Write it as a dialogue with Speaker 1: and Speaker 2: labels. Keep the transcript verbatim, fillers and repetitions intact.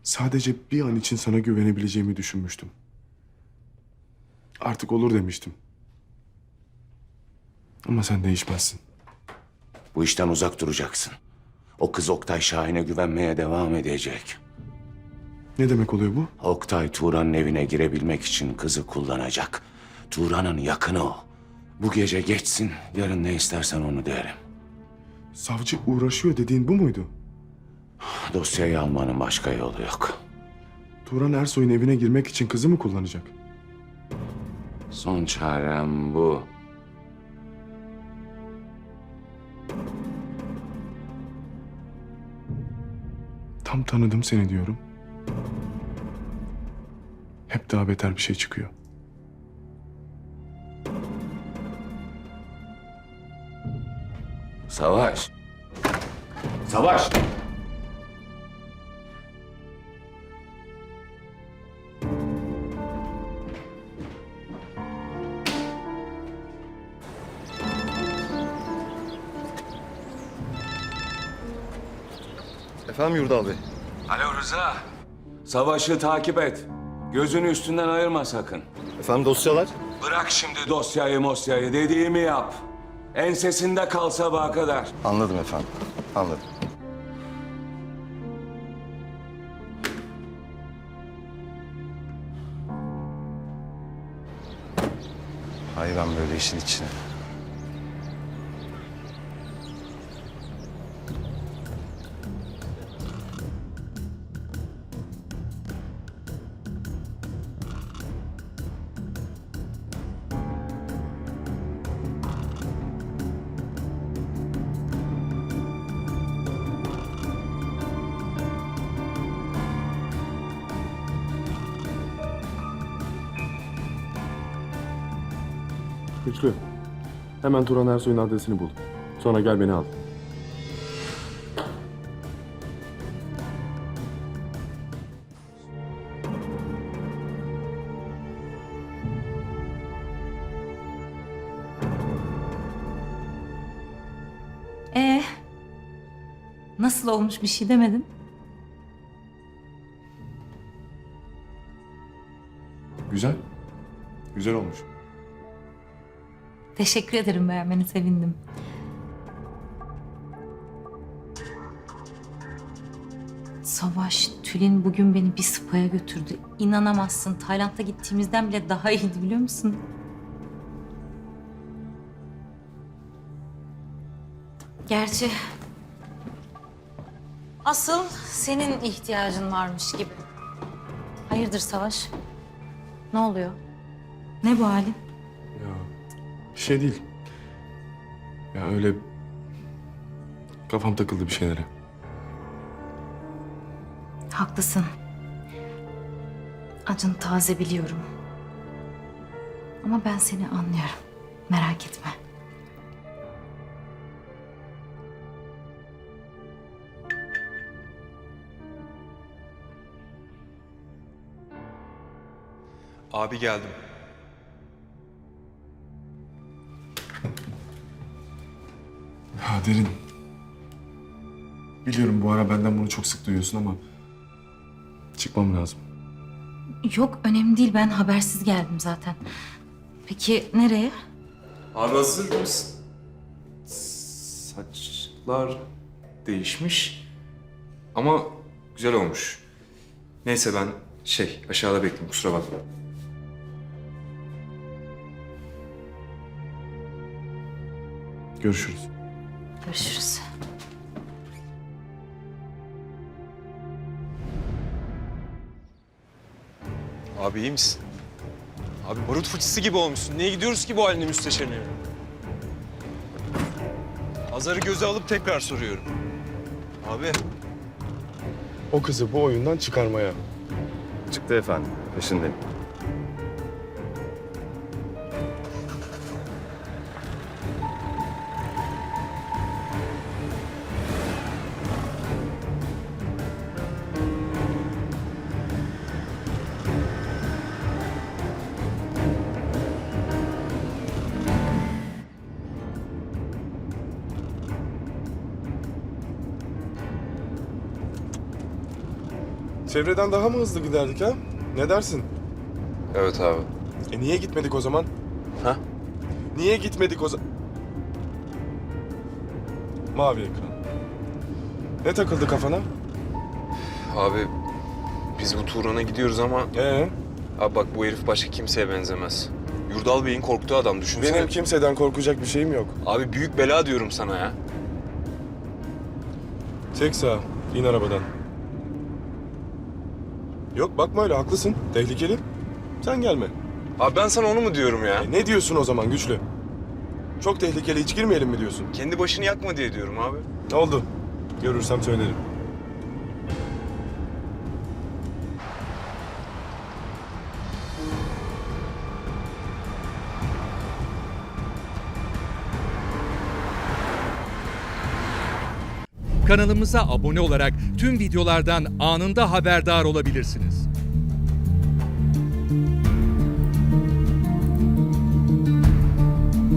Speaker 1: Sadece bir an için sana güvenebileceğimi düşünmüştüm. Artık olur demiştim. Ama sen değişmezsin.
Speaker 2: Bu işten uzak duracaksın. O kız Oktay Şahin'e güvenmeye devam edecek.
Speaker 1: Ne demek oluyor bu?
Speaker 2: Oktay Turan'ın evine girebilmek için kızı kullanacak. Turan'ın yakını o. Bu gece geçsin, yarın ne istersen onu derim.
Speaker 1: Savcı uğraşıyor dediğin bu muydu?
Speaker 2: Dosyayı almanın başka yolu yok.
Speaker 1: Turan Ersoy'un evine girmek için kızı mı kullanacak?
Speaker 2: Son çarem bu.
Speaker 1: Tam tanıdım seni diyorum. Hep daha beter bir şey çıkıyor.
Speaker 2: Savaş. Savaş.
Speaker 3: Efendim Yurdal Bey?
Speaker 2: Alo Rıza. Savaşı takip et. Gözünü üstünden ayırma sakın.
Speaker 3: Efendim dosyalar?
Speaker 2: Bırak şimdi dosyayı mosyayı, dediğimi yap. Ensesinde kal sabaha kadar.
Speaker 3: Anladım efendim, anladım. Hay ben böyle işin içine.
Speaker 1: Güçlü. Hemen Turan Ersoy'un adresini bul. Sonra gel beni al.
Speaker 4: Ee, nasıl olmuş, bir şey demedin?
Speaker 1: Güzel. Güzel olmuş.
Speaker 4: Teşekkür ederim, beğenmeni sevindim. Savaş, Tülin bugün beni bir spa'ya götürdü. İnanamazsın, Tayland'a gittiğimizden bile daha iyiydi biliyor musun? Gerçi asıl senin ihtiyacın varmış gibi. Hayırdır Savaş? Ne oluyor? Ne bu halin?
Speaker 1: Ya bir şey değil. Ya öyle kafam takıldı bir şeylere.
Speaker 4: Haklısın. Acın taze biliyorum. Ama ben seni anlıyorum. Merak etme.
Speaker 5: Abi geldim.
Speaker 1: Ya Derin. Biliyorum bu ara benden bunu çok sık duyuyorsun ama çıkmam lazım.
Speaker 4: Yok, önemli değil. Ben habersiz geldim zaten. Peki nereye?
Speaker 5: Abi hazır mısın? Saçlar değişmiş ama güzel olmuş. Neyse ben şey aşağıda bekliyorum, kusura bakma.
Speaker 1: Görüşürüz.
Speaker 4: Görüşürüz.
Speaker 5: Abi iyi misin? Abi barut fıçısı gibi olmuşsun. Niye gidiyoruz ki bu haline müsteşarın evine? Azar'ı göze alıp tekrar soruyorum. Abi.
Speaker 1: O kızı bu oyundan çıkarmaya.
Speaker 3: Çıktı efendim, peşindeyim.
Speaker 1: Çevreden daha mı hızlı giderdik ha? Ne dersin?
Speaker 5: Evet abi.
Speaker 1: E niye gitmedik o zaman?
Speaker 5: Ha?
Speaker 1: Niye gitmedik o zaman? Mavi ekran. Ne takıldı kafana?
Speaker 5: Abi biz bu Turan'a gidiyoruz ama
Speaker 1: Ee,
Speaker 5: abi bak bu herif başka kimseye benzemez. Yurdal Bey'in korktuğu adam düşünsene.
Speaker 1: benim kimseden korkacak bir şeyim yok.
Speaker 5: Abi büyük bela diyorum sana ya.
Speaker 1: Çek sağa, in arabadan. Yok bakma öyle, haklısın. Tehlikeli. Sen gelme.
Speaker 5: Abi ben sana onu mu diyorum ya?
Speaker 1: E, ne diyorsun o zaman güçlü? Çok tehlikeli, hiç girmeyelim mi diyorsun?
Speaker 5: Kendi başını yakma diye diyorum abi.
Speaker 1: Ne oldu? Görürsem söylerim.
Speaker 6: Kanalımıza abone olarak tüm videolardan anında haberdar olabilirsiniz.